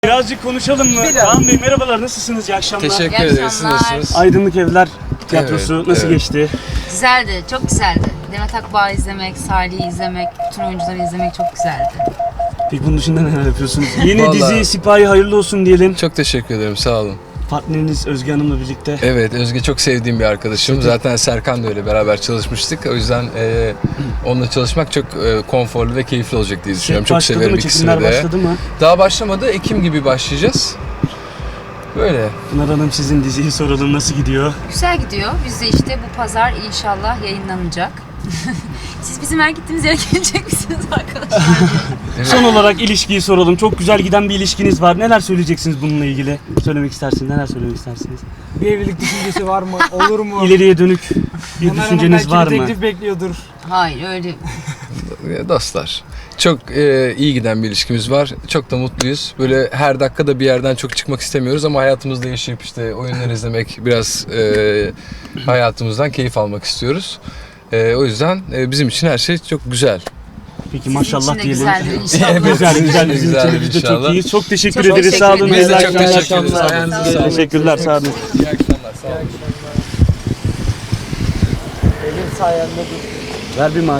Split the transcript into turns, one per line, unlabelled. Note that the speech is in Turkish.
Birazcık konuşalım mı? Kaan Bey merhabalar, nasılsınız? İyi akşamlar.
Teşekkür ederiz. Siz nasılsınız?
Aydınlık Evler Tiyatrosu nasıl geçti?
Güzeldi, çok güzeldi. Demet Akbağ'ı izlemek, Salih'i izlemek, bütün oyuncuları izlemek çok güzeldi.
Peki bunun dışında neler yapıyorsunuz? Yeni
Vallahi-
dizi Sipahi hayırlı olsun diyelim.
Çok teşekkür ederim. Sağ olun.
Partneriniz Özge Hanım'la birlikte.
Evet, Özge çok sevdiğim bir arkadaşım. Zaten Serkan da öyle, beraber çalışmıştık. O yüzden onunla çalışmak çok konforlu ve keyifli olacak diye düşünüyorum. Çok
Başladı
severim
mı?
ikisini
Çekimler
de.
başladı mı?
Daha başlamadı. Ekim gibi başlayacağız. Böyle.
Pınar Hanım, sizin diziyi soralım, nasıl gidiyor?
Güzel gidiyor. Biz de işte bu pazar inşallah yayınlanacak. Siz bizim her gittiğimiz yere gelecek misiniz arkadaşlar?
Son olarak ilişkiyi soralım. Çok güzel giden bir ilişkiniz var. Neler söyleyeceksiniz bununla ilgili? Söylemek istersiniz, neler söylemek istersiniz?
Bir evlilik düşüncesi var mı? Olur mu?
İleriye dönük bir
Pınar Hanım
düşünceniz
belki
var
bir
mı?
teklif bekliyordur.
Hayır öyle.
Dostlar. Çok iyi giden bir ilişkimiz var. Çok da mutluyuz. Böyle her dakikada bir yerden çok çıkmak istemiyoruz ama hayatımızda yaşayıp işte oyunlar izlemek, biraz hayatımızdan keyif almak istiyoruz. O yüzden bizim için her şey çok güzel.
Peki
Sizin
maşallah
için de
diyelim.
güzeldir inşallah.
Evet,
Güzel
sizin
güzel,
için de
bizim
güzel
için de biz de çok
inşallah.
iyiyiz. Çok teşekkür
Çok
ederiz. Sağ olun.
teşekkür
Biz de
İyi
çok
akşamlar.
teşekkür ederiz. Ayağınıza sağlık.
Teşekkürler, sağ olun.
İyi akşamlar. Sağ olun.
Benim sayemde
Ver bir